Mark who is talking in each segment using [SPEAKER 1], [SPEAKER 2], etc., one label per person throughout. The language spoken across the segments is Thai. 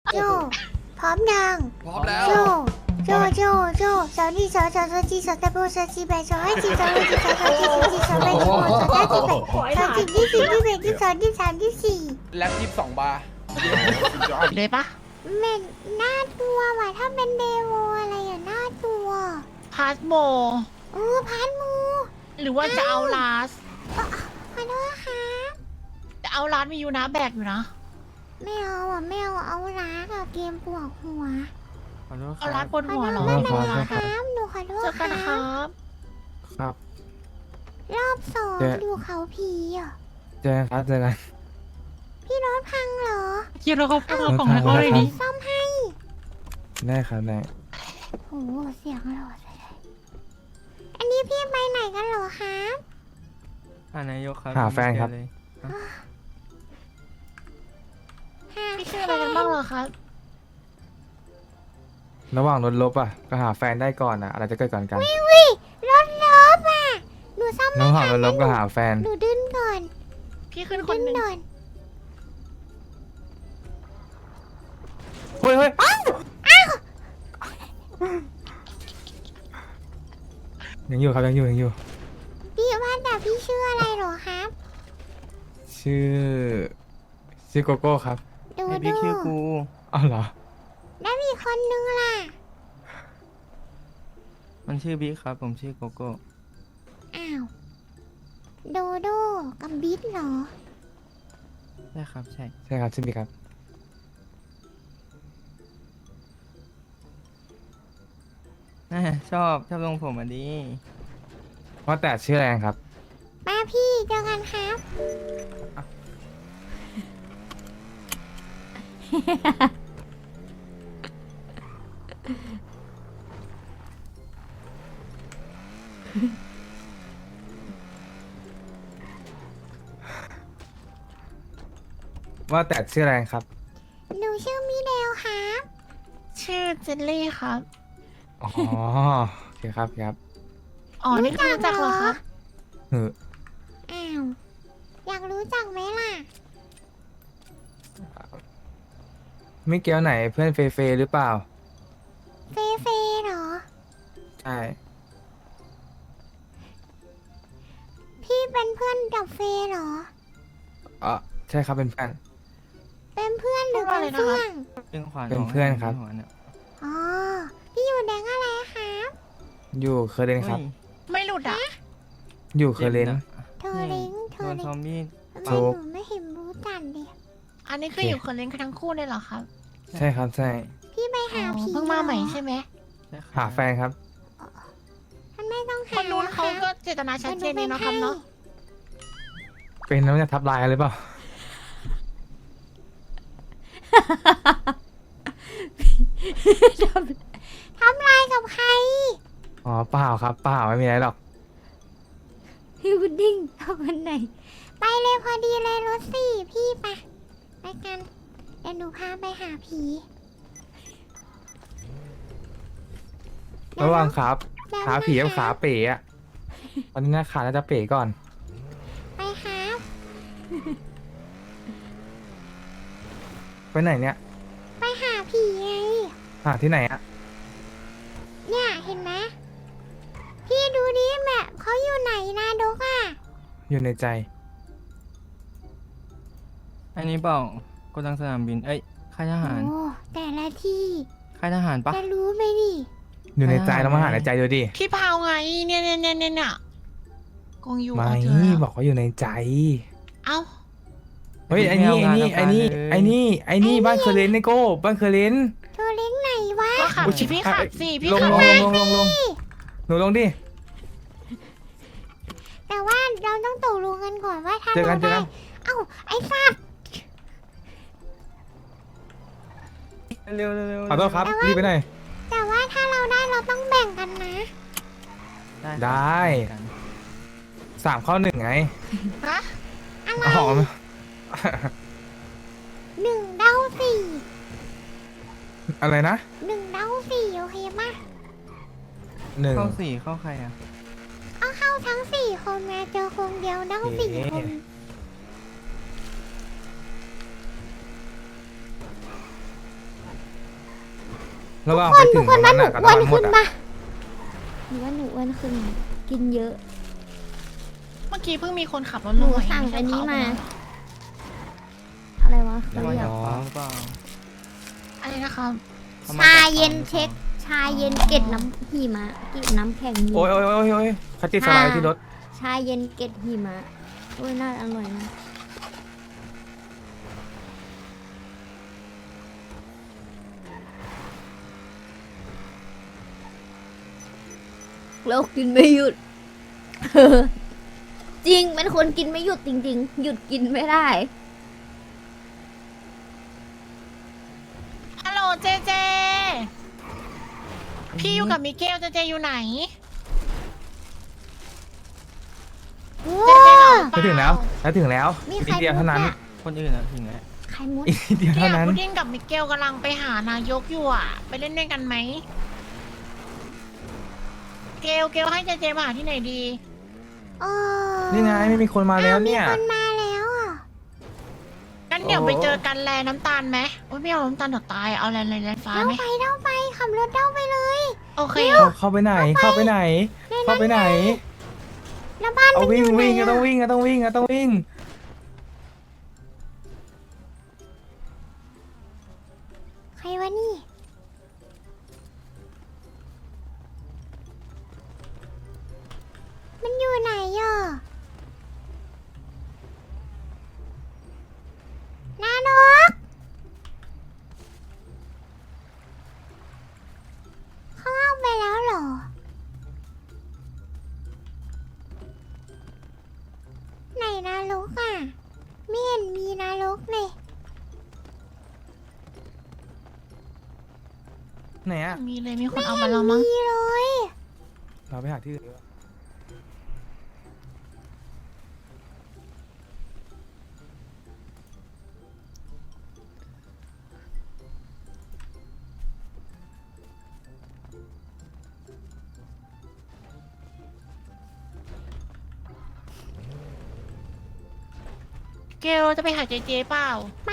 [SPEAKER 1] โจพร้อมยัง
[SPEAKER 2] พร้อมแล้ว
[SPEAKER 1] โจสาวนี่สาวจีสาวตะโบสาวจีแบสาวให้จีสาวให้จีสาวจีสาวแบสาวสาวจีแบสาวจีที่สี่ที่แบที่สองที่สามที่สี่
[SPEAKER 2] แล็บ22 บาร์
[SPEAKER 3] เลยปะ
[SPEAKER 1] แม่น่าตัวว่ะถ้าเป็นเดโวอะไรอ่ะน่าตัว
[SPEAKER 3] พาสโม
[SPEAKER 1] พานมู
[SPEAKER 3] หรือว่าจะเอาลาส
[SPEAKER 1] ขอโทษค่ะ
[SPEAKER 3] จะเอาลาสมียูนะแบกอยู่นะ
[SPEAKER 1] ไม่เอาอ่ะไม่เอาร้ากับเกมปวดหัว
[SPEAKER 4] ขอโทษค
[SPEAKER 3] เอา
[SPEAKER 4] รั
[SPEAKER 3] ลา
[SPEAKER 4] บ
[SPEAKER 3] สบนหัวเหรอ
[SPEAKER 1] ไม่เป็น
[SPEAKER 3] เอา
[SPEAKER 1] ไร
[SPEAKER 3] ลาส
[SPEAKER 1] ครับหนูขอโท
[SPEAKER 3] เจ
[SPEAKER 1] ษ
[SPEAKER 3] อกัน
[SPEAKER 1] ค
[SPEAKER 3] ค
[SPEAKER 1] รั
[SPEAKER 3] รั
[SPEAKER 1] บบ
[SPEAKER 4] ครับ
[SPEAKER 1] รอบสอง
[SPEAKER 4] เจ๊
[SPEAKER 1] อยู่เขาผีอ่ะ
[SPEAKER 4] เจอกันครับเจอกัน
[SPEAKER 1] พี่รถพังเหรอ
[SPEAKER 3] คิดเราเขาเอากล่องให้เขาเลยดิ
[SPEAKER 1] ซ่อมให้
[SPEAKER 4] ได้ครับได้
[SPEAKER 1] โหเสียงหล่อเลยอันนี้พี่ไปไหนกันเหรอครับ
[SPEAKER 4] นายกครับ
[SPEAKER 1] หา
[SPEAKER 3] พี่ชื่ออะไรกันบ้างเหรอครับ
[SPEAKER 4] ระหว่างรถลบอ่ะก็หาแฟนได้ก่อนอ่ะอะไรจะเกิดก่อนกัน
[SPEAKER 1] วิรถลบอ่ะหนูซ่อมไม่
[SPEAKER 4] ระหว่าง
[SPEAKER 1] ทั
[SPEAKER 4] ร
[SPEAKER 1] น
[SPEAKER 4] ถลบก็หาแฟน
[SPEAKER 1] หนูดึงก่อน
[SPEAKER 3] พี่ขึ้นค
[SPEAKER 1] ดึ
[SPEAKER 3] น
[SPEAKER 1] ง
[SPEAKER 3] หนึ่ง
[SPEAKER 1] ก่อน
[SPEAKER 4] เฮ้ยเฮ้ยยังอยู่ครับยังอยู่
[SPEAKER 1] พี่ว่าแต่พี่ชื่ออะไรเหรอครับ
[SPEAKER 4] ชื่อโกโก้ครับ
[SPEAKER 1] ดู
[SPEAKER 5] ไอ
[SPEAKER 1] ดู
[SPEAKER 5] พี่ชื่อกู
[SPEAKER 4] อ้าวเหรอ
[SPEAKER 1] แล้วมีคนนึงล่ะ
[SPEAKER 5] มันชื่อบิ๊กครับ ผมชื่อโกโก้
[SPEAKER 1] อ้าวโดโดกับบิ๊กเหรอ
[SPEAKER 5] ใช่ครับ ใช่
[SPEAKER 4] ใช่ครับชื่อบิ๊กครับ
[SPEAKER 5] น่าชอบทรงผมอ่ะดี
[SPEAKER 4] ว่าแต่ชื่ออะไรครับ
[SPEAKER 1] มาพี่เจอกันครับ
[SPEAKER 4] ว่าแต่ชื่ออะไรครับ
[SPEAKER 1] หนูชื่อมิเดลครับ
[SPEAKER 3] ชื่อเจนลี่ครับ
[SPEAKER 4] อ๋อโอเคครับครับ
[SPEAKER 3] อ๋อ นี่คือรู้จักเหรอครับ
[SPEAKER 4] เออ
[SPEAKER 1] อ้าวอยากรู้จักไหมล่ะ
[SPEAKER 4] ไม่เกี่ยวไหนเพื่อนเฟเฟหรือเปล่า
[SPEAKER 1] เฟเฟเหรอ
[SPEAKER 4] ใช่
[SPEAKER 1] พี่เป็นเพื่อนกับเฟเหรอ
[SPEAKER 4] อ๋อใช่ครับเป็นเพื่อน
[SPEAKER 1] เป็นเพื่อนหรือเป็นเพื่อน
[SPEAKER 5] เป็นขวาน
[SPEAKER 4] เป็นเพื่อนครับ
[SPEAKER 5] ขวานเนี่ย
[SPEAKER 1] อ๋อ พี่อยู่แดงอะไรครับ
[SPEAKER 4] อยู่เคอร์เรนครับ
[SPEAKER 5] ฮ้ย
[SPEAKER 3] ไม่หลุดอ่ะ
[SPEAKER 4] อยู่เคอร์เรน
[SPEAKER 5] จ็บะ
[SPEAKER 1] เธอลิงเธ
[SPEAKER 5] โด
[SPEAKER 1] อน ลิ
[SPEAKER 5] ซอง มบี้
[SPEAKER 1] ทำไม
[SPEAKER 4] ถู
[SPEAKER 1] ห
[SPEAKER 4] ก
[SPEAKER 1] นูไม่เห็นรู้จักดิ
[SPEAKER 3] อันนี้คืออยู่คนเล่นกันทั้งคู่เลยเหรอครับ
[SPEAKER 4] ใช่ครับใช่
[SPEAKER 1] พี่ไป
[SPEAKER 3] อ๋
[SPEAKER 1] หา
[SPEAKER 3] อ
[SPEAKER 1] ผี
[SPEAKER 3] เพิ่งมาใหม่
[SPEAKER 1] เรอ
[SPEAKER 3] ใช่ไหม
[SPEAKER 5] ใช่ครับ
[SPEAKER 4] หาแฟนครับ
[SPEAKER 1] มันไม่ต้อง
[SPEAKER 3] ค
[SPEAKER 1] หาน
[SPEAKER 3] นู้นเขาก็เจตนาชัดเจนดีเนาะครับเนาะ
[SPEAKER 4] เป็นแล้วจะทับลายกันหรือเปล่า
[SPEAKER 1] ทำลายกับใคร
[SPEAKER 4] อ๋อเปล่าครับเปล่าไม่มีอะไรหรอก
[SPEAKER 1] พี่พุดดิ้งเอาคนไหน ไปเลยพอดีเลยรถสี่พี่ไปไปกันเดี๋ยวหนูพาไปหาผี
[SPEAKER 4] ระหว่างขา
[SPEAKER 1] เดี๋ยว
[SPEAKER 4] ขาผีกับ
[SPEAKER 1] นะ
[SPEAKER 4] ขา
[SPEAKER 1] คะ
[SPEAKER 4] เป๋อะตอนนี้นะขาน่าจะเป๋ก่อน
[SPEAKER 1] ไปครับ
[SPEAKER 4] ไปไหนเนี่ย
[SPEAKER 1] ไปหาผีไง
[SPEAKER 4] หาที่ไหนอะ
[SPEAKER 1] เนี่ยเห็นไหมพี่ดูดิแม่เขาอยู่ไหนนะดกอ่ะ
[SPEAKER 4] อยู่ในใจ
[SPEAKER 5] อันนี้เปล่าโกดังสนามบิน เอ้ย ค่ายทหาร
[SPEAKER 1] โอ้แต่ละที่
[SPEAKER 5] ค่ายทหารปะ
[SPEAKER 1] จะรู้ไหมดิ
[SPEAKER 4] อยู่ในใจ
[SPEAKER 5] อ่า
[SPEAKER 4] เรามาหาในใจดูดิ
[SPEAKER 3] พี่พาวไง เนี่ยกงยู
[SPEAKER 4] ไม่
[SPEAKER 3] เอาเจอแล้ว
[SPEAKER 4] บอกว่าอยู่ในใจ
[SPEAKER 3] เอ้า
[SPEAKER 4] เฮ้ยไอ้นี่ไอ้นี่บ้านเคอร์เรนนี่โก้บ้านเคอร์เรน
[SPEAKER 1] เธอเล้งไหนวะ
[SPEAKER 3] ก็ขับ
[SPEAKER 4] อุ๊ย
[SPEAKER 3] สิพี่ขับสิพี่
[SPEAKER 4] ลง
[SPEAKER 3] ขับ
[SPEAKER 4] ลง
[SPEAKER 3] มา
[SPEAKER 4] ลงหนูลงดิ
[SPEAKER 1] แต่ว่าเราต้องตกลงกันก่อนว่าถ้า
[SPEAKER 4] เจอกั
[SPEAKER 1] เรา
[SPEAKER 4] นเจอ
[SPEAKER 1] ได้
[SPEAKER 4] กัน
[SPEAKER 1] เอ้าไอ้สัตว์
[SPEAKER 5] เร็วเร็ว
[SPEAKER 4] ขอโทษครับรีบไปหน่อย
[SPEAKER 1] แต่ว่าถ้าเราได้เราต้องแบ่งกันนะ
[SPEAKER 4] ได้
[SPEAKER 5] กัน
[SPEAKER 4] 3-1ไง
[SPEAKER 3] ฮะ
[SPEAKER 1] อะไร
[SPEAKER 4] อ๋อ
[SPEAKER 1] 1 เด้า 4
[SPEAKER 4] อะไรนะ
[SPEAKER 1] 1 เด้า 4โอเคปะ
[SPEAKER 4] 1
[SPEAKER 5] เข้าสี่เข้าใครอ่ะ
[SPEAKER 1] เอาเข้าทั้ง 4 คนมาเจอคนเดียวเด้า
[SPEAKER 4] โอเค
[SPEAKER 1] 4 คน
[SPEAKER 4] ระหว่างไปถึงตรงนั้นน่ะกับ
[SPEAKER 1] อ้วน
[SPEAKER 4] น้ำหม
[SPEAKER 1] ขึ้
[SPEAKER 4] ด
[SPEAKER 1] น
[SPEAKER 4] อ่ะ
[SPEAKER 1] ปะหรือว่าหนูอ้วนขึ้น กินเยอะ
[SPEAKER 3] เมื่อกี้เพิ่งมีคนขับรถ
[SPEAKER 1] ห
[SPEAKER 3] ล
[SPEAKER 1] นู
[SPEAKER 3] งมา
[SPEAKER 1] สั่ง
[SPEAKER 3] ไม่ใช่
[SPEAKER 1] อันนี้
[SPEAKER 3] เข
[SPEAKER 1] มา
[SPEAKER 3] เอ
[SPEAKER 1] อะไรวะ
[SPEAKER 5] แล้ว
[SPEAKER 1] เขา
[SPEAKER 5] ว่าอ
[SPEAKER 1] เรีย
[SPEAKER 5] ยาก กฟังหรือเปล่า
[SPEAKER 3] อะไรนะครับ
[SPEAKER 5] ขม
[SPEAKER 1] ชา
[SPEAKER 5] จก
[SPEAKER 1] เย็น
[SPEAKER 5] ฟังหรือปล่า
[SPEAKER 1] เช็ค ชาเย็นเกล็ดน้ำหิมะเกล็ดน้ำแข็งหิ
[SPEAKER 4] โอ้ย
[SPEAKER 1] มะ
[SPEAKER 4] โอ้ยโอ้ยโอ้ยคัตติสไลด์ที่รถ
[SPEAKER 1] ชาเย็นเกล็ดหิมะโอ้ยน่าอร่อยนะเรากินไม่หยุด จริงเป็นคนกินไม่หยุดจริง ๆ หยุดกินไม่ได้
[SPEAKER 3] ฮัลโหลเจเจ พี่อยู่กับมิเกลเจเจอยู่ไหน เจเจเหงาหรือเป
[SPEAKER 4] จะถึงแล้วจะถึงแล้ว
[SPEAKER 1] มี
[SPEAKER 4] อี
[SPEAKER 1] ใคร
[SPEAKER 4] กเดียวเท่านั้น
[SPEAKER 1] พูดอะ
[SPEAKER 5] คนอื่นอะถึงแล้ว
[SPEAKER 1] ไข่มุด
[SPEAKER 4] อีกเดียว
[SPEAKER 3] เนี่
[SPEAKER 4] เท่าย นั้น
[SPEAKER 3] พุดดิ้งกับมิเกลกำลังไปหานายกอยู่อ่ะ ไปเล่นด้วยกันไหม เกลให้เจเจมาหาที่ไหนดี
[SPEAKER 4] นี่ไงไม่มีคนมาแล้วเนี่ย
[SPEAKER 1] มีคนมาแล้วอ่ะ
[SPEAKER 3] งั้นเดี๋ยว
[SPEAKER 4] โอ้
[SPEAKER 3] ไปเจอกันแลน้ำตาลไหมโอ้ยไม่เอาน้ำตาลเดี๋ยวตาย เอาแลฟ้า
[SPEAKER 1] เด้า
[SPEAKER 3] ไหม
[SPEAKER 1] ไปเด้าไปขับรถเด้าไปเลย
[SPEAKER 3] โอเค
[SPEAKER 4] เข้าไปไหน เข้าไปไหน เข้าไปไหน
[SPEAKER 1] แล้วบ้าน
[SPEAKER 4] เอา
[SPEAKER 1] มัน
[SPEAKER 4] วิ่
[SPEAKER 1] อง ยู่ไหน
[SPEAKER 4] วิ่งก็
[SPEAKER 1] อะ
[SPEAKER 4] ต้องวิ่งก็ต้องวิ่งก็ต้องวิ่ง
[SPEAKER 1] ใครวะนี่ มันอยู่ไหนอ่ะนานกเขาเอาไปแล้วเหรอ ไหนนรกอ่ะไม่เห็นมีนรกเลย
[SPEAKER 4] ไหนอ่ะ
[SPEAKER 3] มีเลยมีคนเอาไปแล้วมั้ง
[SPEAKER 1] มีเลย
[SPEAKER 4] เราไปหาที่อื่นดีกว่า
[SPEAKER 3] เกลจะไปหาเจเจเปล่า
[SPEAKER 1] ไป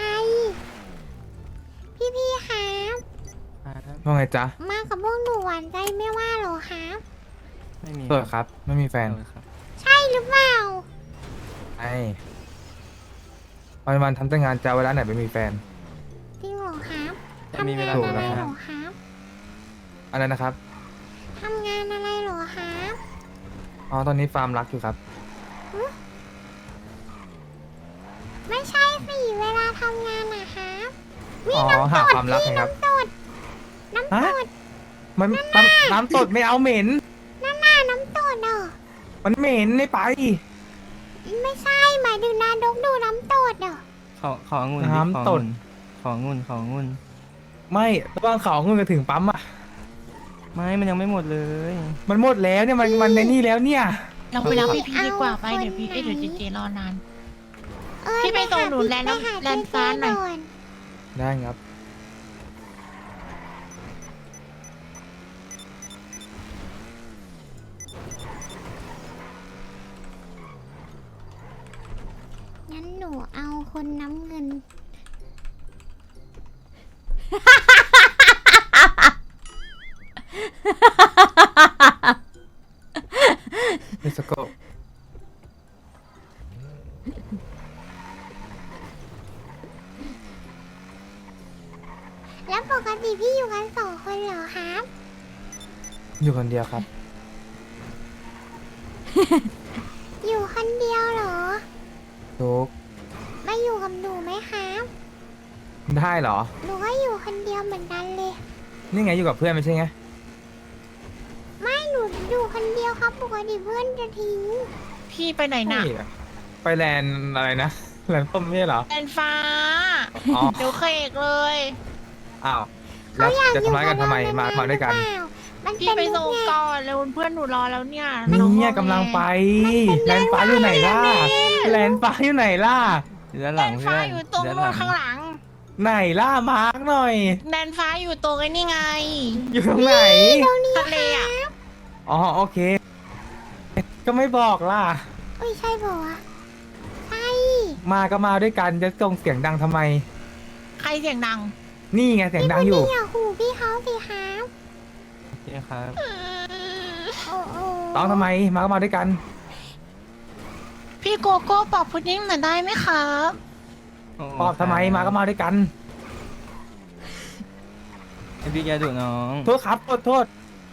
[SPEAKER 1] พี่ครับ
[SPEAKER 5] ครับ
[SPEAKER 4] ว่าไงจ๊ะ
[SPEAKER 1] มากับพวกหนูหวานใจไม่ว่าเหรอครับ
[SPEAKER 5] ไม่มี
[SPEAKER 4] โสดครับ ไม่มีแฟน
[SPEAKER 5] โสดครับ
[SPEAKER 1] ใช่หรือเปล่า
[SPEAKER 4] ไอ้วันๆทำแต่งานจะเอาเวลาไหนไปมีแฟน
[SPEAKER 1] จริงเหรอครับ
[SPEAKER 5] ไม่มี
[SPEAKER 1] ทำ
[SPEAKER 5] เว
[SPEAKER 1] งาน
[SPEAKER 5] ลา
[SPEAKER 1] อะไร
[SPEAKER 5] ทำงาน
[SPEAKER 1] เหรอครับ
[SPEAKER 4] อะไรนะครับ
[SPEAKER 1] ทำงานอะไรเหรอครับ
[SPEAKER 4] อ๋อ ตอนนี้ฟาร์มรักอยู่ครับ
[SPEAKER 1] ไม่ใช่สิเวลาทำงานนะครับ
[SPEAKER 4] อ๋อ หาความรักไงครับ
[SPEAKER 1] น้ำตด
[SPEAKER 4] ฮะ มันน้ำตดไม่เอาเหม็น
[SPEAKER 1] นั่นน่ะน้ำตดเหรอ
[SPEAKER 4] มันเหม็นไม่ไป
[SPEAKER 1] ไม่ใช่หมายถึงนานกดูน้ำตดเหรอ
[SPEAKER 5] ขององุ่นดิ
[SPEAKER 4] น้ำตด
[SPEAKER 5] ขององุ่นขององุ่น
[SPEAKER 4] ไม่ระหว่างเขาเงินไปถึงปั๊มอ่ะ
[SPEAKER 5] ไม่มันยังไม่หมดเลย
[SPEAKER 4] มันหมดแล้วเนี่ย มันในนี่แล้วเนี่ย
[SPEAKER 3] เราไปรับพี่ดีกว่าไป
[SPEAKER 1] เอา
[SPEAKER 3] เดี๋ยวพี่
[SPEAKER 1] คนไหน
[SPEAKER 3] เดี๋ยวเจเจรอนาน
[SPEAKER 1] เอ้ย
[SPEAKER 3] พี่ไปส่งหนู
[SPEAKER 1] หา
[SPEAKER 3] แลนด์
[SPEAKER 1] ไปหา
[SPEAKER 3] แลนด์ฟ้าหน่อย
[SPEAKER 1] เจ๊ก่
[SPEAKER 4] ได้ครับ
[SPEAKER 1] งั้นหนูเอาคนน้ำเงิน
[SPEAKER 4] เลสโก
[SPEAKER 1] แล้วปกติพี่อยู่กัน2 คนเหรอครับ
[SPEAKER 4] อยู่คนเดียวครับ
[SPEAKER 1] อยู่คนเดียวเหรอ
[SPEAKER 4] ทุก
[SPEAKER 1] มาอยู่กับหนูไหมครับ
[SPEAKER 4] ได้เหรอ
[SPEAKER 1] หนูก็อยู่คนเดียวเหมือนกันเลย
[SPEAKER 4] นี่ไงอยู่กับเพื่อนไม่ใช่ไง
[SPEAKER 1] ไม่หนูอยู่คนเดียวครับปกติเพื่อนจะทิ้ง
[SPEAKER 3] พี่ไปไหนน่ะ
[SPEAKER 4] นี่ไปแลนด์อะไรนะ แลนด์ต้มไม่ใช่เหรอ
[SPEAKER 3] แลนด์ฟ้า
[SPEAKER 4] อ๋อ
[SPEAKER 3] เดี๋ยวเคกเลย
[SPEAKER 4] อ้าว
[SPEAKER 1] เขาอยาก
[SPEAKER 4] จะ
[SPEAKER 1] อยู่
[SPEAKER 4] ทำร้ายกันทำไม
[SPEAKER 1] กับ
[SPEAKER 4] มา
[SPEAKER 1] เรา
[SPEAKER 4] มาด้วยกัน
[SPEAKER 1] หรือเปล่ามัน
[SPEAKER 3] พี่
[SPEAKER 1] เป็น
[SPEAKER 3] ไป
[SPEAKER 1] มุ
[SPEAKER 3] ส่
[SPEAKER 1] ก
[SPEAKER 3] ง
[SPEAKER 1] ไง
[SPEAKER 3] ก่อนเลยเพื่อนหนูรอแล้วเนี่ย
[SPEAKER 4] นี่กำลังไป แลนด์ฟ้าอยู่ไหนล่ะ แลนด์ฟ้าอยู่ไหนล่ะ
[SPEAKER 5] อยู่ด้านห
[SPEAKER 3] แล
[SPEAKER 5] ลัง
[SPEAKER 3] นด์
[SPEAKER 5] เพื่
[SPEAKER 3] ฟ้า
[SPEAKER 5] อน
[SPEAKER 3] อยู่ตรง
[SPEAKER 5] ด้านห
[SPEAKER 3] นู้
[SPEAKER 5] ลั
[SPEAKER 3] นข้างหลัง
[SPEAKER 4] ไหนล่ะ มาร์กหน่อย
[SPEAKER 3] แลนด์ฟ้าอยู่ตรงไอ้นี่ไง
[SPEAKER 4] อยู่ตรงไหน
[SPEAKER 3] ทะเลอ่ะ
[SPEAKER 4] อ๋อโอเค ก็ไม่บอกล่ะ
[SPEAKER 1] เอ้ยใช่ป่าวะใช่
[SPEAKER 4] มาก็มาด้วยกันจะส่งเสียงดังทำไม
[SPEAKER 3] ใครเสียงดัง
[SPEAKER 4] นี่ไงเสียงดังอยู่
[SPEAKER 1] พี่อย่าหูพี่เขาสิครับ
[SPEAKER 5] โอเคครับ
[SPEAKER 1] โอ้โอ้
[SPEAKER 4] ร้องทำไมมาก็มาด้วยกัน
[SPEAKER 3] พี่โกโก้ปอบพุดดิ้งหน่อยได้ไหมครับ
[SPEAKER 4] ปอบทำไมมาก็มาด้วยกัน
[SPEAKER 5] ไอพี่แกดุน้อง
[SPEAKER 4] โทษครับโทษ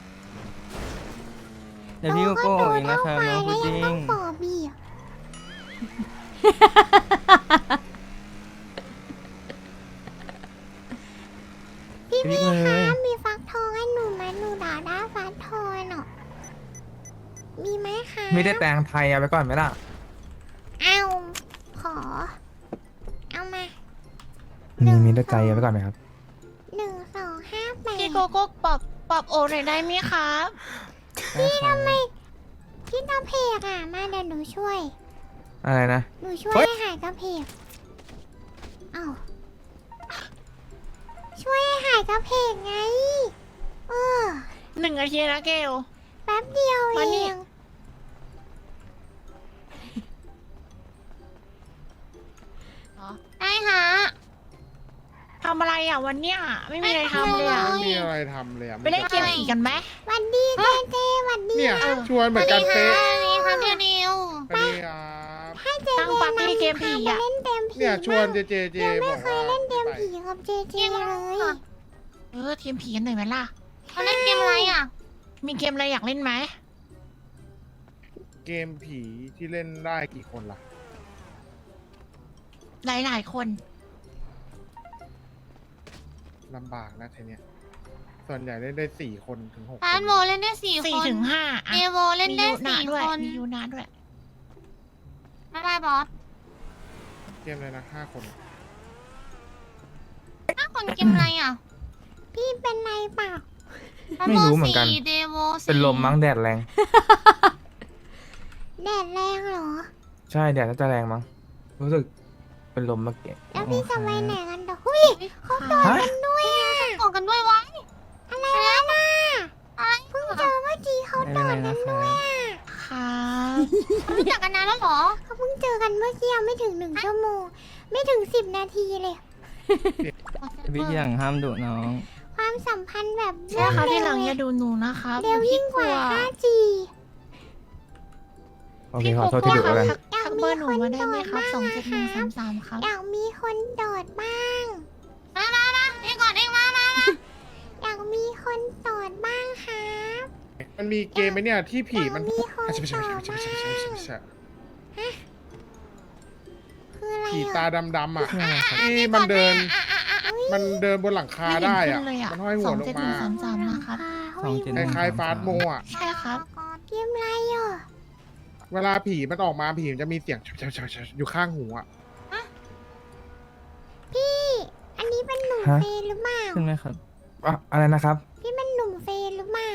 [SPEAKER 5] เดี๋ยวพี่โกโก้เองนะครับน้องพุดดิ้
[SPEAKER 1] ต้
[SPEAKER 5] ง
[SPEAKER 1] องปอบพี่อะพี่
[SPEAKER 5] พี่
[SPEAKER 1] มี
[SPEAKER 5] เลย
[SPEAKER 1] คะมีฟักทองให้หนูไหมหนูด่าได้ฟักทองเนาะมีไหมคะ
[SPEAKER 4] ไม่ได้แต่งไทยเอาไปก่อนไหมล่ะ
[SPEAKER 1] เอาขอ เอามา
[SPEAKER 4] มีได้ใจเอาไปก่อนไหมครับ
[SPEAKER 1] 1258
[SPEAKER 3] พี่โกโก้ปอบโอหน่อยได้ไหมครับ
[SPEAKER 5] พี่ทำไม
[SPEAKER 1] พี่กระเพกอ่ะ มาเดี๋ยวหนูช่วย
[SPEAKER 4] อะไรนะ
[SPEAKER 1] หนูช่วย
[SPEAKER 4] เฮ้ย
[SPEAKER 1] ให้หายกระเพกเอ้าช่วยให้หายกระเพกไง เออ
[SPEAKER 3] 1 นาทีนะเกล
[SPEAKER 1] แป๊บเดียวเอ
[SPEAKER 3] มานี่
[SPEAKER 1] ง ได้ฮะ
[SPEAKER 3] ทำอะไรอ่ะวันเนี้ยไม่มีอะไรทำเลยอ่ะ
[SPEAKER 1] ไม่
[SPEAKER 2] ไม่มีอะไรทำเลยอะ
[SPEAKER 3] ไปเล่นเกมผีกันไหม
[SPEAKER 1] หวันดีเจเจหวันดี
[SPEAKER 2] เนี่ย
[SPEAKER 3] เออ
[SPEAKER 2] ชวนเหมือนกันเป๊ะ
[SPEAKER 1] นี่ครับเดียวนิว
[SPEAKER 2] สวัสดีครับ
[SPEAKER 1] ให้เจ
[SPEAKER 3] ตั้ง
[SPEAKER 1] เจ
[SPEAKER 3] ปาร์ตี้เกมผี
[SPEAKER 1] มา
[SPEAKER 3] อ่ะ
[SPEAKER 1] เล่นเกมผี
[SPEAKER 2] เนี่ยชวนเจ
[SPEAKER 1] บ้าง
[SPEAKER 2] เจ
[SPEAKER 1] ยัง
[SPEAKER 2] บ
[SPEAKER 1] ไม่
[SPEAKER 2] อก
[SPEAKER 1] เค
[SPEAKER 2] ว่าย
[SPEAKER 1] เล่นเกม
[SPEAKER 2] ไป
[SPEAKER 1] ผีกับเจเจเลย
[SPEAKER 3] ทีมผีกันหน่อยไหมล่ะ
[SPEAKER 1] เขาเล่นเกมอะไรอ่ะ
[SPEAKER 3] มีเกมอะไรอยากเล่นไหม
[SPEAKER 2] เกมผีที่เล่นได้กี่คนล่ะ
[SPEAKER 3] หลายๆคน
[SPEAKER 2] ลำบากนะทีเนี้ยส่วนใหญ่เล่นได้4 คนถึง6 ค
[SPEAKER 1] พาร์ท
[SPEAKER 2] น
[SPEAKER 1] โบเล่นได้4
[SPEAKER 3] 4
[SPEAKER 1] คน
[SPEAKER 3] ถึง 5
[SPEAKER 1] เอโวเล่นได้
[SPEAKER 3] มียู
[SPEAKER 1] 4
[SPEAKER 3] ด้วย
[SPEAKER 1] คน
[SPEAKER 3] มียูนาด้วย
[SPEAKER 1] ไม่ได้บอส
[SPEAKER 2] เกมเลยนะ5 คน
[SPEAKER 1] 5 คนเกมอะไรอ่ะ พี่เป็นไรเปล่า
[SPEAKER 4] ไม่รู้เหมือนกัน
[SPEAKER 1] เดโว
[SPEAKER 4] เป็นลมมั้งแดดแรง
[SPEAKER 1] แดดแรงเหรอ
[SPEAKER 4] ใช่แดดน่าจะแรงมั้งรู้สึกเป็นลมเมื่อกี้
[SPEAKER 1] แล้วพี่จะไปไหนกันต่อหุ้ยเขาโดด
[SPEAKER 4] ฮะ
[SPEAKER 1] กันด้วยอ่ะโดดกันด้วยวะอะไรนะน่ะอะไรเพิ่งเจอเมื่อกี้เขา
[SPEAKER 5] ไม่
[SPEAKER 1] โด
[SPEAKER 5] เป็น
[SPEAKER 1] ด
[SPEAKER 5] ไร
[SPEAKER 1] กั
[SPEAKER 5] นะ
[SPEAKER 1] น
[SPEAKER 5] ค
[SPEAKER 1] ด้
[SPEAKER 5] รั
[SPEAKER 1] วย
[SPEAKER 5] บ
[SPEAKER 1] อ่ะ
[SPEAKER 3] ครับ
[SPEAKER 1] รู้จักกันนานแล้วเหรอเขาเพิ่งเจอกันเมื่อกี้ไม่ถึง1 ชั่วโมง ไม่ถึง10 นาทีเลย
[SPEAKER 5] พี่ที่หลังห้ามดุน้อง
[SPEAKER 1] ความสัมพันธ์แบบ
[SPEAKER 3] ใช่ค่ะที่หลังอย่าดูหนูนะครับ
[SPEAKER 1] เร็วยิ่งกว่า 5G
[SPEAKER 4] โอเค
[SPEAKER 3] พี่
[SPEAKER 4] ข
[SPEAKER 3] โก
[SPEAKER 4] อโทษที่
[SPEAKER 3] โก้
[SPEAKER 4] ดุ
[SPEAKER 3] ครั
[SPEAKER 4] แล้ว
[SPEAKER 3] บ
[SPEAKER 4] กัน
[SPEAKER 3] ทักเบอร์หนูมาได้ไหมครับ27133ครับ
[SPEAKER 1] อยากมีคนโดดบ้างมาเองก่อนเองมาอยากมีคนโดดบ้างครับ
[SPEAKER 2] มันมีเกมไหมเนี่ยที่ผีมัน
[SPEAKER 1] อยากมีคน
[SPEAKER 2] ไม่ใช่
[SPEAKER 1] โดดบ้างคืออะไร
[SPEAKER 2] ผี
[SPEAKER 1] อ่ะ
[SPEAKER 2] ตาดำๆอ่ะ
[SPEAKER 5] ใช่ครับ
[SPEAKER 2] ที่มันเดินมันเดินบนหลังคา
[SPEAKER 3] ไม่เห็น
[SPEAKER 2] ได้
[SPEAKER 3] ขึ้
[SPEAKER 2] อ่ะ
[SPEAKER 3] นเลยอ่ะ
[SPEAKER 2] มันห้อยหัวลงมา
[SPEAKER 3] 27133นะครับ
[SPEAKER 2] คล้ายๆฟาสต์โมอ่ะ
[SPEAKER 3] ใช่ครับ
[SPEAKER 1] เกมอะไรอ่ะ
[SPEAKER 2] เวลาผีมันออกมาผีมันจะมีเสียงอยู่ข้างหูอ่ะ
[SPEAKER 1] พี่ อันนี้เป็นหนุ่ม
[SPEAKER 4] ฮะ
[SPEAKER 1] เฟรนหรือเปล่า
[SPEAKER 5] ขึ้นไหมครับ
[SPEAKER 4] อะอะไรนะครับ
[SPEAKER 1] พี่เป็นหนุ่มเฟรนหรือเปล่า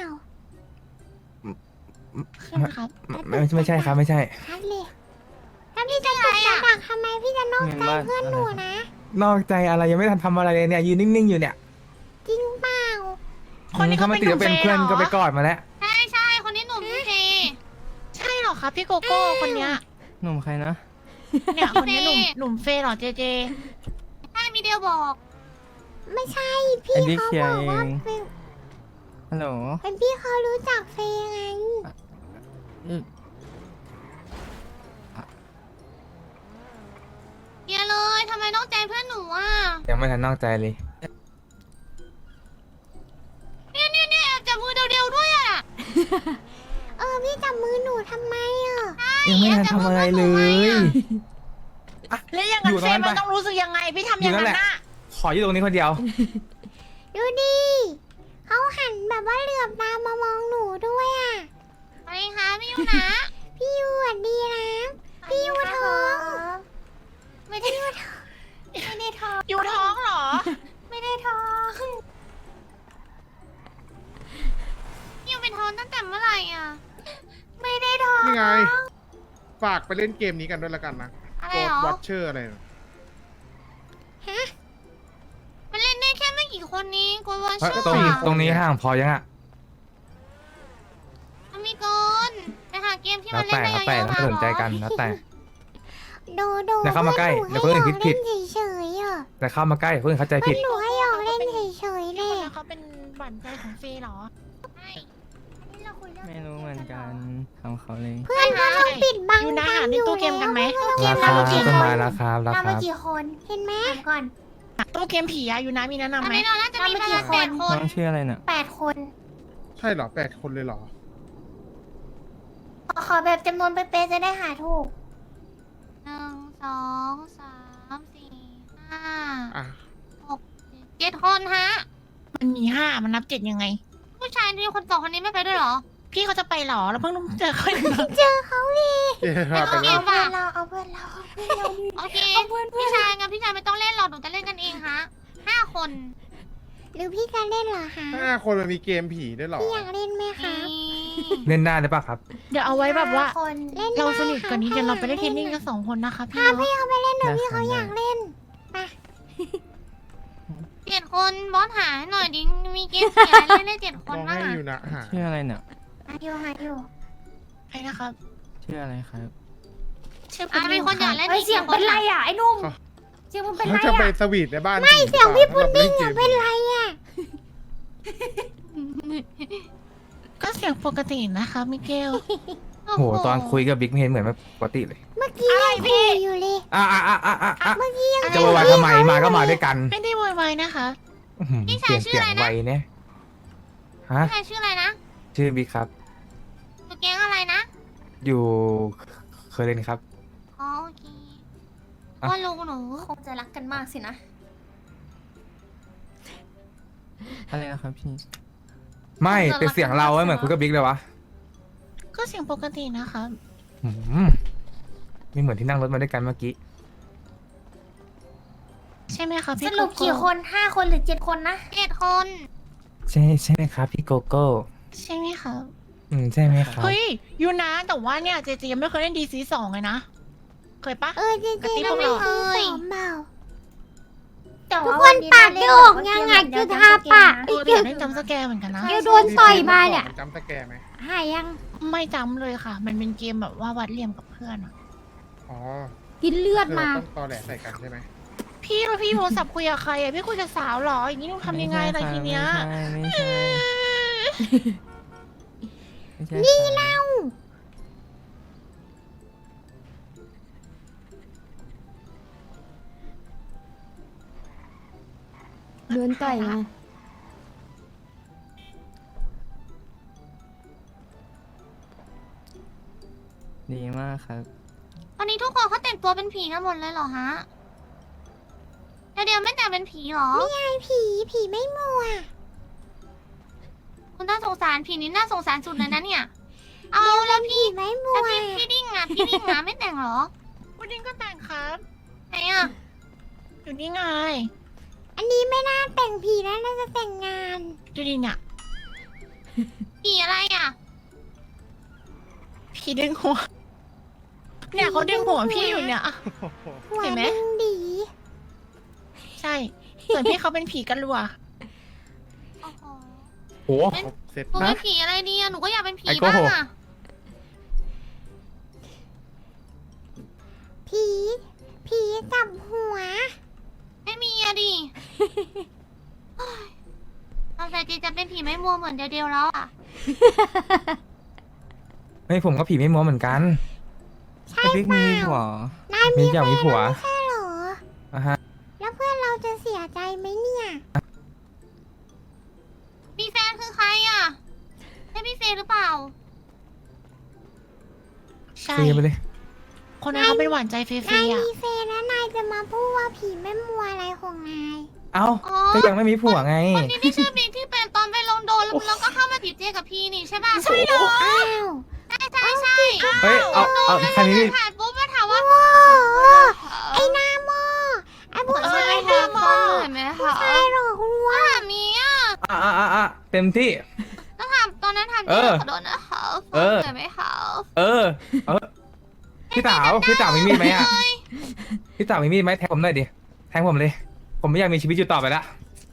[SPEAKER 3] ขึ้นครับ
[SPEAKER 4] ไม่ใช่ครับไม่ใช่
[SPEAKER 1] ชัดเลยถ้าพี่จะตกจะดักทำไมพี่จะนอกใจ
[SPEAKER 5] เงินบ้าน
[SPEAKER 1] เพื่อนหนูนะ
[SPEAKER 4] นอกใจอะไรยังไม่ทันทำอะไรเลยเนี่ยยืนนิ่งๆอยู่เนี่ย
[SPEAKER 1] จริงเปล่า
[SPEAKER 3] คนนี้เขา
[SPEAKER 4] ถ้าไม่
[SPEAKER 3] เป็น
[SPEAKER 4] ติดว่าเป็น
[SPEAKER 3] หนุ่มเฟย์
[SPEAKER 4] เพื่อน
[SPEAKER 3] เหรอ
[SPEAKER 4] ก็ไปกอดมาแล้ว
[SPEAKER 1] ใช่คนนี้หนุ่มเฟรน
[SPEAKER 3] ใช่เหรอครับพี่โกโก้คนเนี้ย
[SPEAKER 5] หนุ่มใครนะ
[SPEAKER 3] เนี่ยคนเนี้ยหนุ่มเฟย์เหรอเจเจ
[SPEAKER 1] ใช่มีเดียวบอก ไม่ใช่พี่
[SPEAKER 5] ไอ้บิ๊ก
[SPEAKER 1] เขา
[SPEAKER 5] เคลียร์
[SPEAKER 1] บอกว่า
[SPEAKER 5] เอง
[SPEAKER 1] เป็น
[SPEAKER 5] ฮัลโหล
[SPEAKER 1] เป็นพี่เขารู้จักเฟยไง เดียเลยทำไมต้องใจเพื่อนหนูอ่ะ
[SPEAKER 4] ยังไม่ทันนอกใจเลย
[SPEAKER 1] เนี่ยจับมือเดียวๆด้วยอ่ะ พี่จับมือหนูทำไมอ่ะ
[SPEAKER 4] ยังไม่ทันทำอะไรเลย
[SPEAKER 3] แล้วอย่าง
[SPEAKER 4] อ
[SPEAKER 3] นั้
[SPEAKER 4] ยู่
[SPEAKER 3] น
[SPEAKER 4] ตร
[SPEAKER 3] เฟ
[SPEAKER 4] งนั้น
[SPEAKER 3] ย์มัน
[SPEAKER 4] ไป
[SPEAKER 3] ต้องรู้สึกยังไงพี่ทำ
[SPEAKER 4] อ
[SPEAKER 3] อย่ ย่าง
[SPEAKER 4] นั่น
[SPEAKER 3] นั้
[SPEAKER 4] แห
[SPEAKER 3] น
[SPEAKER 4] ละ
[SPEAKER 3] น่ะ
[SPEAKER 4] ขออยู่ตรงนี้คนเดียว
[SPEAKER 1] ดูดิเขาหันแบบว่าเหลือบตามามองหนูด้วยอ่ะอะไรคะพี่ยูนะ พี่ยูสวัสดีนะ พี่ยูท้อง ไม่ได้ยูท้องไม่ได้ท้อง
[SPEAKER 3] อยู่ท้องเหรอ
[SPEAKER 1] ไม่ได้ท้องพี่ยูเป็นท้องตั้งแต่เมื่อไหร่อ่ะ ไม่ได้ท้อง
[SPEAKER 2] นี่ไง ฝากไปเล่นเกมนี้กันด้วยละกันนะ
[SPEAKER 1] อะไร
[SPEAKER 2] โก
[SPEAKER 1] เหรอ
[SPEAKER 2] ดวอชเชอร์อะไรนะ
[SPEAKER 1] ฮะมันเล่นได้แค่ไม่กี่คนนี้กวนวอน
[SPEAKER 4] เฮ้ย
[SPEAKER 1] เชื่อ
[SPEAKER 4] ตรงนี้ห่างพอยังอ่ะ
[SPEAKER 1] มันมีเกินไปหาเกมที่
[SPEAKER 4] แล้
[SPEAKER 1] มั
[SPEAKER 4] วน แต่
[SPEAKER 1] เล่นได้
[SPEAKER 4] แล้วแต่
[SPEAKER 1] เยอะๆ
[SPEAKER 4] ไม่
[SPEAKER 1] มา
[SPEAKER 4] สนใจกันแล้วแต่
[SPEAKER 1] โด
[SPEAKER 4] อย่าเข้ามาใกล้เดี๋ยวคนอื่นคิดผิด
[SPEAKER 1] เฉยๆอ่ะ
[SPEAKER 4] แต่เข้ามาใกล้เพื่อนเข้าใจผิด
[SPEAKER 1] หนูให้หยอกเล่น
[SPEAKER 3] เขาเป็นหวานใจของเฟย์เหรอ
[SPEAKER 1] นี่เราคุยเรื่อง
[SPEAKER 5] ไม่รู้เหมือนกันทำเขาเลย
[SPEAKER 1] เพื่อนก็ต้องปิดบัง
[SPEAKER 3] อยู่นะ
[SPEAKER 1] กั
[SPEAKER 3] หาในตู้เกมกันไหม
[SPEAKER 1] เก
[SPEAKER 4] ราม คา
[SPEAKER 1] เรากี่ค
[SPEAKER 4] ต้น
[SPEAKER 1] น
[SPEAKER 4] ไม้ราคารา
[SPEAKER 1] เรา
[SPEAKER 4] คา
[SPEAKER 1] มากี่คนเห็นไหมก่อน
[SPEAKER 3] ตู้เกมผีอะอยู่นะมีแนะนำไหม
[SPEAKER 1] เราน่าจะมีประมาณ8 คน
[SPEAKER 5] น้องชื่ออะไรน่ะ
[SPEAKER 1] 8 คน
[SPEAKER 2] ใช่เหรอ8 คนเลยเหรอ
[SPEAKER 1] ขอแบบจำนวนเป๊ะๆจะได้หาถูก1 2 3 4
[SPEAKER 2] อ่ะ
[SPEAKER 1] 5 7 คนฮะ
[SPEAKER 3] มันมี5มันนับ7ยังไง
[SPEAKER 1] ผู้ชายที่คน2คนนี้ไม่ไปด้วยเหรอ
[SPEAKER 3] พี่เขาจะไปเหรอแล้วเพิ่งเจอเขาอยู่
[SPEAKER 1] เจอเขาดิ
[SPEAKER 2] เจ๊พาไป
[SPEAKER 1] เอา
[SPEAKER 2] แล้
[SPEAKER 1] เพื่
[SPEAKER 2] ว
[SPEAKER 1] อนเราเอาเพื่อนเราโอเคพี่ชายงั้นพี่ชายไม่ต้องเล่นหรอกหนูจะเล่นกันเองฮะ5 คน หรือพี่จะเล่นเหรอคะ
[SPEAKER 2] 5 คนมันมีเกมผีด้วยเหรอ
[SPEAKER 1] พี่อยากเล่นไหมคะ
[SPEAKER 4] เล่นได้หรือเปล่าครับ
[SPEAKER 3] เดี๋ยวเอาไว้แบบว่า
[SPEAKER 1] เล่น
[SPEAKER 3] เราสนิทกว่านี้เดี๋ยวเราไปเล่นเทนนิสกัน2 คนนะคะพี่
[SPEAKER 1] พา
[SPEAKER 3] เนาะ
[SPEAKER 1] พี่เขาไปเล่นหน่อย
[SPEAKER 5] ได้
[SPEAKER 1] พี่เขา
[SPEAKER 5] ค่ะ
[SPEAKER 1] อยากเล่นไป7 คนบอสหาหน่อยดิมีเกมเสียเล่นได้7 ค
[SPEAKER 2] ล
[SPEAKER 1] น
[SPEAKER 2] อง
[SPEAKER 1] บ้าง
[SPEAKER 2] ให้
[SPEAKER 1] อะ
[SPEAKER 2] อยู่นะหา
[SPEAKER 5] ชื่ออะไรน่ะ
[SPEAKER 1] หาอยู่
[SPEAKER 3] ใช่นะครับ
[SPEAKER 5] ชื่ออะไรครับ
[SPEAKER 3] ชื่อ
[SPEAKER 1] มีคนอยากเล่น
[SPEAKER 6] เสียงเป็นไรอ่ะไอ้หนุ่ม
[SPEAKER 2] เขา
[SPEAKER 6] เสียงมันเป็น
[SPEAKER 2] เขา
[SPEAKER 6] ไร
[SPEAKER 2] จะไป
[SPEAKER 6] อ่ะ
[SPEAKER 2] สวีทในบ้านไม่เสียงพี่พุดดิ้งอ่ะ
[SPEAKER 1] เป็นไรอ่ะ
[SPEAKER 3] ก็เสียงปกตินะคะมิเกล
[SPEAKER 4] โหตอนคุยกับบิ๊กไม่เห็นเหมือนแบบปกติเลย
[SPEAKER 1] เมื่อกี้ยังคุยอยู่เลย
[SPEAKER 4] เมื่อกี้จะวายทำไมมาก็มาด้วยกัน
[SPEAKER 3] ไม่ได้โวยวายนะคะ
[SPEAKER 4] อื้อหือเปลี่ยนเสียงไวเนี่ยฮะ
[SPEAKER 1] ใครชื่ออะไรนะ
[SPEAKER 4] ชื่อบิ๊กครับ
[SPEAKER 1] ตัวแก๊งอะไรนะ
[SPEAKER 4] อยู่เคยเล่นครับ
[SPEAKER 1] อ๋อโอเค
[SPEAKER 4] อ่ะ
[SPEAKER 1] ว่าลุงหนู
[SPEAKER 6] คงจะรักกันมากสินะ
[SPEAKER 5] อะไรนะครับพี่
[SPEAKER 4] ไม่เป็นเสียงเราไม่เหมือนคุยกับบิ๊กเลยวะ
[SPEAKER 3] ก็เสียงปกตินะคะ
[SPEAKER 4] อื้อหือไม่เหมือนที่นั่งรถมาด้วยกันเมื่อกี้
[SPEAKER 3] ใช่ไหมคะพี่
[SPEAKER 6] สรุปกี่คน5 คนหรือ7 คนนะ
[SPEAKER 1] 7 คน
[SPEAKER 4] ใช่ไหมครับพี่โกโก้
[SPEAKER 3] ใช่ไหมคะ
[SPEAKER 4] ใช่ไหมครับ
[SPEAKER 3] เฮ้ยยูนะแต่ว่าเนี่ยเจเจยังไม่เคยเล่น DC2 เลยนะ เคยปะ
[SPEAKER 1] จริง
[SPEAKER 3] กระติ๊บ
[SPEAKER 1] ๆ
[SPEAKER 3] พวก
[SPEAKER 1] ไม่
[SPEAKER 3] เรา
[SPEAKER 1] เคยเปล่า
[SPEAKER 6] แต่
[SPEAKER 1] ทุก
[SPEAKER 6] ว่า
[SPEAKER 1] คน
[SPEAKER 6] วันนี้
[SPEAKER 1] ปาก
[SPEAKER 6] เร
[SPEAKER 1] จะ
[SPEAKER 6] เล่น
[SPEAKER 1] ออก
[SPEAKER 6] แบบว่
[SPEAKER 1] ยังไง
[SPEAKER 6] เกม
[SPEAKER 1] คือ
[SPEAKER 6] เดียว
[SPEAKER 1] ทา
[SPEAKER 6] กัน
[SPEAKER 1] ปาก
[SPEAKER 3] เออเดี๋ยวเล่นจำสแกร์เหมือนกันนะ
[SPEAKER 1] เดี๋ยวโดนต่อยมาเนี่ย
[SPEAKER 2] จำสแกร์ไหม
[SPEAKER 1] หายยัง
[SPEAKER 3] ไม่จำเลยค่ะ มันเป็นเกมแบบว่าวัดเหลี่ยมกับเพื่อนอะ
[SPEAKER 2] อ๋อ
[SPEAKER 1] กินเลือด
[SPEAKER 2] เรา
[SPEAKER 1] มา
[SPEAKER 2] ต้องตอแหลใส่กันใช่ไหม
[SPEAKER 3] พี่แล้วพี่โทรศัพท์คุยกับใครอะพี่คุยกับสาวเหรอ อย่างนี้ต้องทำยังไงล่ะทีเนี้ย
[SPEAKER 5] ไม่ใช่ไม่ใช่
[SPEAKER 1] นี่
[SPEAKER 5] ครับ
[SPEAKER 1] เล่า
[SPEAKER 7] เดินต่อยไง
[SPEAKER 5] ดีมากครับ
[SPEAKER 1] ตอนนี้ทุกคนเขาแต่งตัวเป็นผีกันหมดเลยเหรอฮะเดี๋ยวไม่แต่งเป็นผีเหรอไม่ใช่ผีไม่มัวคุณน่าสงสารผีนี่น่าสงสารสุดเลยนะเนี่ย เอาแล้วพี่ไม่มัวพี่ดิ้งอ่ะไม่แต่งเหรอ
[SPEAKER 3] วันนี้ก็แต่งครับ
[SPEAKER 1] ไหนอ่ะ
[SPEAKER 3] อยู่นี่ไง
[SPEAKER 1] อันนี้ไม่น่าแต่งผีนะน่าจะแต่งงาน
[SPEAKER 3] ดูดิเนี่ย
[SPEAKER 1] ผีอะไรอ่ะ
[SPEAKER 3] พี่ดึงหัว เนี่ยเขาดึงหัวพี่อยู่เนี่ย
[SPEAKER 1] หัว
[SPEAKER 3] เห็นไหม
[SPEAKER 1] ดึงดี
[SPEAKER 3] ใช่ ส่วนพี่เขาเป็นผีกันรัว
[SPEAKER 1] โอ้โห
[SPEAKER 4] โห
[SPEAKER 2] ครบเสร็จ
[SPEAKER 1] หนู
[SPEAKER 2] นะ
[SPEAKER 1] เป็นผีอะไรดีอ่ะหนูก็อยากเป็นผี
[SPEAKER 4] ไอ้โก้
[SPEAKER 1] บ้างอ่ะผีจับหัว ไม่มีอะดิเอาแต่จีจะเป็นผีไม่มัวเหมือนเดียวแล้วอ่ะ
[SPEAKER 4] ไม่ผมก็ผีไม่มัวเหมือนกัน
[SPEAKER 5] แต่บิ๊กมีหัว
[SPEAKER 1] นาย
[SPEAKER 4] มี
[SPEAKER 1] มี
[SPEAKER 4] อยากมีผัว
[SPEAKER 1] ใช่เหรอ
[SPEAKER 4] อ่ะฮะ
[SPEAKER 1] แล้วเพื่อนเราจะเสียใจไหมเนี่ย มีแฟนคือใครอ่ะใช่พี่เฟย์หรือเปล่า
[SPEAKER 3] ใช่
[SPEAKER 4] เฟไปเลย
[SPEAKER 3] คนนั้นเขาเป็นหวานใจเฟ
[SPEAKER 1] นาย
[SPEAKER 3] ย์ๆอ่ะ
[SPEAKER 1] มีเฟย์แล้วนายจะมาพูดว่าผีแม่มัวอะไรของนาย
[SPEAKER 4] เอ้า
[SPEAKER 1] อ๋อ
[SPEAKER 4] ก็ยังไม่มีผัวไง
[SPEAKER 1] คนนี้ที่ชื่อบิ๊กที่เป็นตอนไปลงโดนแล้วก็เข้ามาจีบเจกับพี่นี่ใช่ป่ะ ใช่เหรอ อ้าว ใช่
[SPEAKER 4] เฮ้ย เอาคันนี้
[SPEAKER 1] ถ่ายปุ๊บมาถามว่าไอ้หน้าโมไอ้ผู้ชายหน้าโมผู้ชายหรอคุณวะแบบนี้อ่ะ
[SPEAKER 4] เต็มที่
[SPEAKER 1] ต้องถามตอนนั้นถาม
[SPEAKER 4] เอ
[SPEAKER 1] เจ๊
[SPEAKER 4] อ
[SPEAKER 1] ขอโทษนะคะ
[SPEAKER 4] เออ
[SPEAKER 1] เกิดไหมคะ
[SPEAKER 4] เออพี่สาวมีมีดไหมอ่ะ พี่สาวมีมีดไหมแทงผมหน่อยดิ แทงผมเลย ผมไม่อยากมีชีวิตอยู่ต่อไปละ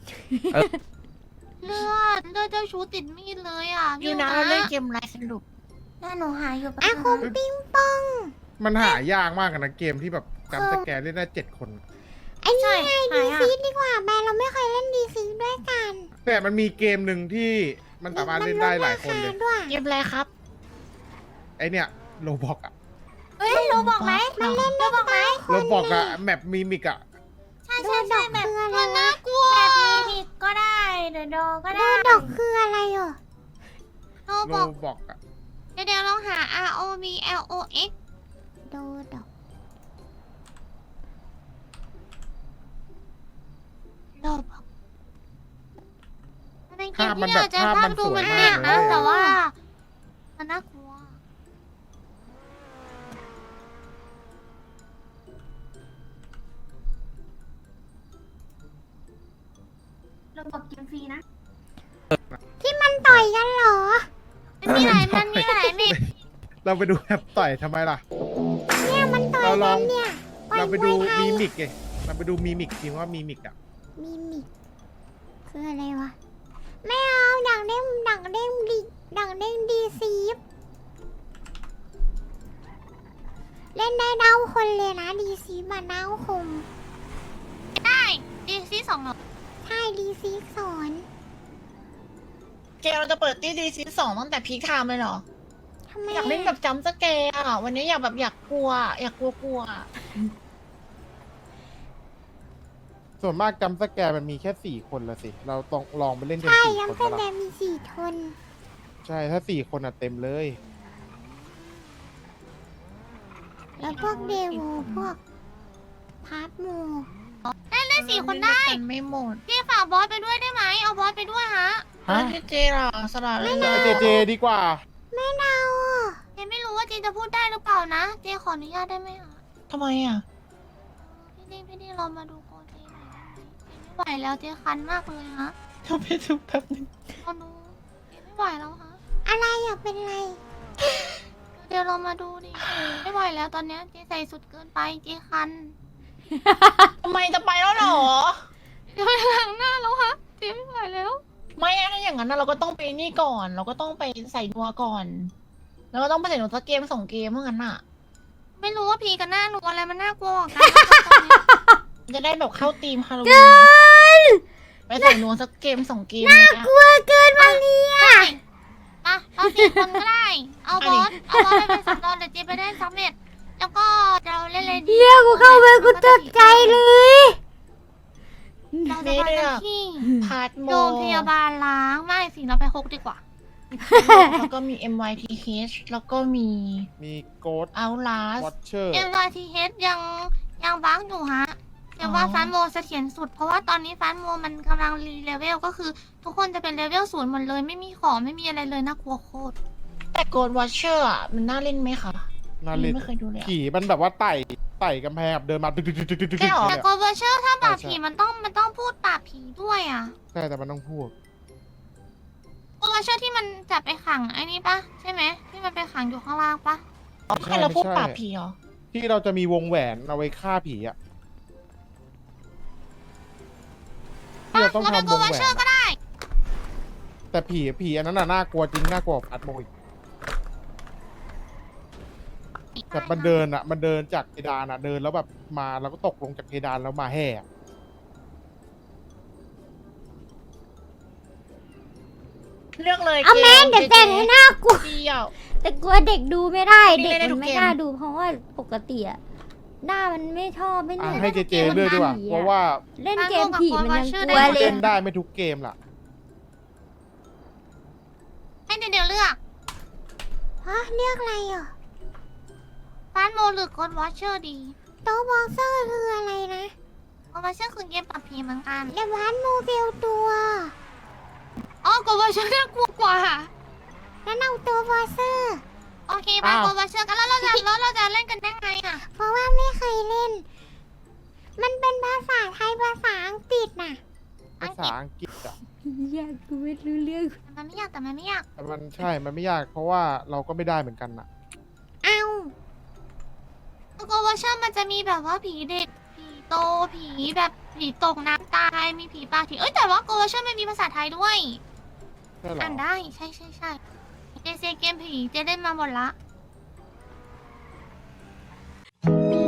[SPEAKER 1] เลือดเจ้าชู้ติดมีดเลยอ่ะ
[SPEAKER 3] อยู่นะเราเล่นเกมไรสรุป
[SPEAKER 6] น่าหนูหาอยู่ปะ
[SPEAKER 1] อ่ะคงปิ้งปอง
[SPEAKER 2] มันหายากมากอะนะเกมที่แบบจำสแกร์เล่นได้7 คน
[SPEAKER 1] ไอ้นี่ไง
[SPEAKER 6] ใช่
[SPEAKER 1] ดี
[SPEAKER 6] หายอะ
[SPEAKER 1] ซีดีกว่าแม่เราไม่เคยเล่นดีซีด้วยกัน
[SPEAKER 2] แต่มันมีเกมหนึ่งที่มันสามารถเล่นได้หลายคนเลย
[SPEAKER 1] มัดราาด้วย
[SPEAKER 3] เก็บอะไรครับ
[SPEAKER 2] ไอเนี่ยโลบอกอะ
[SPEAKER 6] เฮ้ยรู้บอกไหม
[SPEAKER 1] มันเล่นได้บอกไหม
[SPEAKER 2] โลบอกอะแมปมีมิกอะ
[SPEAKER 6] ใช่ใช่ใช่แบบ
[SPEAKER 1] คืออะไร
[SPEAKER 3] มันน่ากลัว
[SPEAKER 6] แบบมีก็ได้เดอะโดก็
[SPEAKER 1] โด
[SPEAKER 6] ได้
[SPEAKER 1] ดอกคืออะไรอ่ะ
[SPEAKER 3] โน
[SPEAKER 2] โล
[SPEAKER 3] บอก
[SPEAKER 2] บอกอะ
[SPEAKER 3] เดี๋ยวลองหา R O B L O X
[SPEAKER 1] โดดอก
[SPEAKER 3] โนบอกมันเป็นเกมที่เราจะภาพดูมันเด็กนะ แต่ว่า มันน่ากลัว
[SPEAKER 6] เราบอกกินฟรีนะ
[SPEAKER 1] ที่มันต่อยกันเหรอ
[SPEAKER 3] มันมีหลายมิก
[SPEAKER 2] เราไปดูแอปต่อยทำไมล่ะ
[SPEAKER 1] เนี่ยมันต่อย
[SPEAKER 2] เราล
[SPEAKER 1] กั
[SPEAKER 2] อง
[SPEAKER 1] นเนี่ยปล่อย
[SPEAKER 2] เราไปดู
[SPEAKER 1] มวยไท
[SPEAKER 2] มี
[SPEAKER 1] ย
[SPEAKER 2] มิกไงเราไปดูมีมิกทีว่ามีมิกอะ
[SPEAKER 1] มีมิกคืออะไรวะ ไม่เอาดังเด้งดังเด้งดีดังเด้งดีซีฟเล่นได้เน่าคนเลยนะดีซีมาเน่าคม
[SPEAKER 3] ได้ดีซี2เหรอ
[SPEAKER 1] ใช่ดีซีสอน
[SPEAKER 3] เกมเราจะเปิดตีดีซี2ตั้งแต่พีคไทม์เลยเหรอ
[SPEAKER 1] ทำไม
[SPEAKER 3] อยากเล่นแบบจัมป์สแกร์อ่ะ วันนี้อยากกลัว อยากกลัว
[SPEAKER 2] ส่วนมากจำสแกร์มันมีแค่4 คนละสิ เราต้องลองไปเล่นกัน
[SPEAKER 1] ใช่
[SPEAKER 2] 4
[SPEAKER 1] ยัง
[SPEAKER 2] คน
[SPEAKER 1] แส
[SPEAKER 2] ก็
[SPEAKER 1] ด
[SPEAKER 2] ละ
[SPEAKER 1] งมีสี่ทน
[SPEAKER 2] ใช่ถ้า4 คนอะเต็มเลย
[SPEAKER 1] แล้วพวกเดโวพวกพาร์ทโม
[SPEAKER 3] เล่น4 คนได้ไม่หมดพี่ฝากบอสไปด้วยได้ไหม เอาบอสไปด้วยฮะเจล่ะสลัดเลย
[SPEAKER 2] เจเจดีกว่า
[SPEAKER 1] ไม่เน่าอ่ะ
[SPEAKER 3] เจไม่รู้ว่าเจจะพูดได้หรือเปล่านะ เจขออนุญาตได้ไหมคะทำไมอ่ะ พี่ดีเรามาดูโกเจหน่อยได้ไหมเจไม่ไหวแล้วเจคันมากเลยฮะทำไปดูแป๊บนึงเราดูเจไม่ไหวแล้วฮะ
[SPEAKER 1] อะไรอ่ะเป็นไร
[SPEAKER 3] เดี๋ยวเรามาดูดิไม่ไหวแล้วตอนเนี้ยเจใส่สุดเกินไปเจคัน ทำไมจะไปแล้วหรอเดี๋ยวไปล้างหน้าแล้วฮะเจไม่ไหวแล้ว ไม่ถ้าอย่างนั้นเราก็ต้องไปนี่ก่อน เราก็ต้องไปใส่นัวก่อน แล้วก็ต้องไปใส่นัวสักเกม2 เกมเมื่อนั้นอ่ะ ไม่รู้ว่าพีกับหน้านัวอะไรมันน่ากลัวกว่ากันจะได้แบบเข้าทีมฮาโลวีนไปใส่นัวสักเกม2 เกมน่ากลัว
[SPEAKER 1] เกินมาเนี่ย
[SPEAKER 3] มาเรา4 คนก็ได้ เอาบอสไปเป็นสำรองเดี๋ยวเจไปได้ซัมเมตแล้วก็เราเล่นเลยดี
[SPEAKER 1] เรียกกูเข้าไปกูตกใจเลย
[SPEAKER 3] เราจะไปกันที่พาร์ทโรงพยาบาลล้างไม่สิเราไป6ดีกว่า แล้วก็มี MYTH แล้วก็มี
[SPEAKER 2] มีโกด
[SPEAKER 3] Outlast
[SPEAKER 2] วอชเชอร์
[SPEAKER 3] MYTH ยังบั๊กอยู่ฮะแต่ว่าฟันโมเสถียรสุด เพราะว่าตอนนี้ฟันโมมันกำลังรีเลเวลก็คือ ทุกคนจะเป็นเลเวล0หมดเลยไม่มีของไม่มีอะไรเลยน่ากลัวโคตร แต่โกดวอชเชอร์อ่ะมันน่าเล่นไหมคะ
[SPEAKER 2] น่าเล่น
[SPEAKER 3] ไม่เคยดูเลย
[SPEAKER 2] ผีมันแบบว่าไต่กำแพงแบบเดินมาตึก
[SPEAKER 3] ใช่หรอ
[SPEAKER 2] ๆๆๆๆ
[SPEAKER 3] แต่โกดวอชเชอร์ถ้าปราบผีมันต้องพูดปราบผีด้วยอ่ะ
[SPEAKER 2] ใช่แต่มันต้องพูด
[SPEAKER 3] โกดวอชเชอร์ที่มันจับไปขังไอ้นี่ปะใช่ไหมที่มันไปขังอยู่ข้างล่างปะ
[SPEAKER 2] ใช่เราพูดปราบผีเหรอ ที่เราจะมีวงแหวนเอาไว้ฆ่าผีอะที่เราต้อง
[SPEAKER 3] เราเป็น
[SPEAKER 2] ทำ
[SPEAKER 3] โก
[SPEAKER 2] ว
[SPEAKER 3] ด
[SPEAKER 2] ง
[SPEAKER 3] วอช
[SPEAKER 2] แหว
[SPEAKER 3] เชอร์
[SPEAKER 2] น
[SPEAKER 3] ก็ได้
[SPEAKER 2] แต่ผีอันนั้นน่ะน่ากลัวจริงน่ากลัวกว่าพัดโมยแต่มันเดินอะมันเดินจากเพดานอะเดินแล้วแบบมาแล้วก็ตกลงจากเพดานแล้วมาแห่อะ
[SPEAKER 3] เลือกเลย
[SPEAKER 1] เอาแม่งเดี๋ยวแต่งให้น่ากลัว
[SPEAKER 3] เดียว
[SPEAKER 1] แต่กลัวเด็กดูไม่ได้
[SPEAKER 3] นี่
[SPEAKER 1] เด็ก
[SPEAKER 3] เล่นได้ทุ
[SPEAKER 1] มัน
[SPEAKER 3] ก
[SPEAKER 1] ไม่
[SPEAKER 3] เกม
[SPEAKER 1] น่าดูเพราะว่าปกติอะหน้ามันไม่ชอบไม่
[SPEAKER 2] อ่ะ
[SPEAKER 1] เล่น
[SPEAKER 2] ให้เจเจเลือกดีกว่าเพราะว่า
[SPEAKER 1] เล่นเกมผีมันยังกลัวเล
[SPEAKER 2] เล่
[SPEAKER 1] ย
[SPEAKER 2] นได้ไม่ทุกเกมล่ะ
[SPEAKER 3] ให้เดี๋ยวเลือก
[SPEAKER 1] ฮะเรียกอะไรอ่ะ
[SPEAKER 3] ฟานโมหรือโกดวอชเชอร์ดี
[SPEAKER 1] โตะบ็อกเซอร์คืออะไรนะ
[SPEAKER 3] โกดวอชเชอร์คือเกมปราบผีเหมือนกัน
[SPEAKER 1] เดวานโมเบลตัว
[SPEAKER 3] อ๋อโกดวอชเชอร์น่ากลัวกว่า
[SPEAKER 1] แล้วเอาตัวบ็อกเซอร์
[SPEAKER 3] โอเคไป
[SPEAKER 2] อ้าว
[SPEAKER 3] โกดวอชเชอร์กันแล้วเราจะเล่นกันได้ไงอ่ะ
[SPEAKER 1] เพราะว่าไม่เคยเล่น มันเป็นภาษาไทยภาษาอังกฤษน่ะ
[SPEAKER 2] ภาษาอังกฤษอะ
[SPEAKER 1] อยากกูไม่รู้เรื่อง
[SPEAKER 3] มันไม่ยากแต่มันไม่ยาก
[SPEAKER 2] แต่มันใช่ มันไม่ยากเพราะว่าเราก็ไม่ได้เหมือนกันน่ะ
[SPEAKER 1] เอา
[SPEAKER 3] โกดวอชเชอร์มันจะมีแบบว่าผีเด็กผีโตผีแบบผีตกน้ำตายมีผีปลาผีแต่ว่าโกดวอชเชอร์มันมีภาษาไทยด้วย
[SPEAKER 2] ใช่เหรอ
[SPEAKER 3] อ่านได้ใช่เจเกมผีเจเล่นมาหมดละ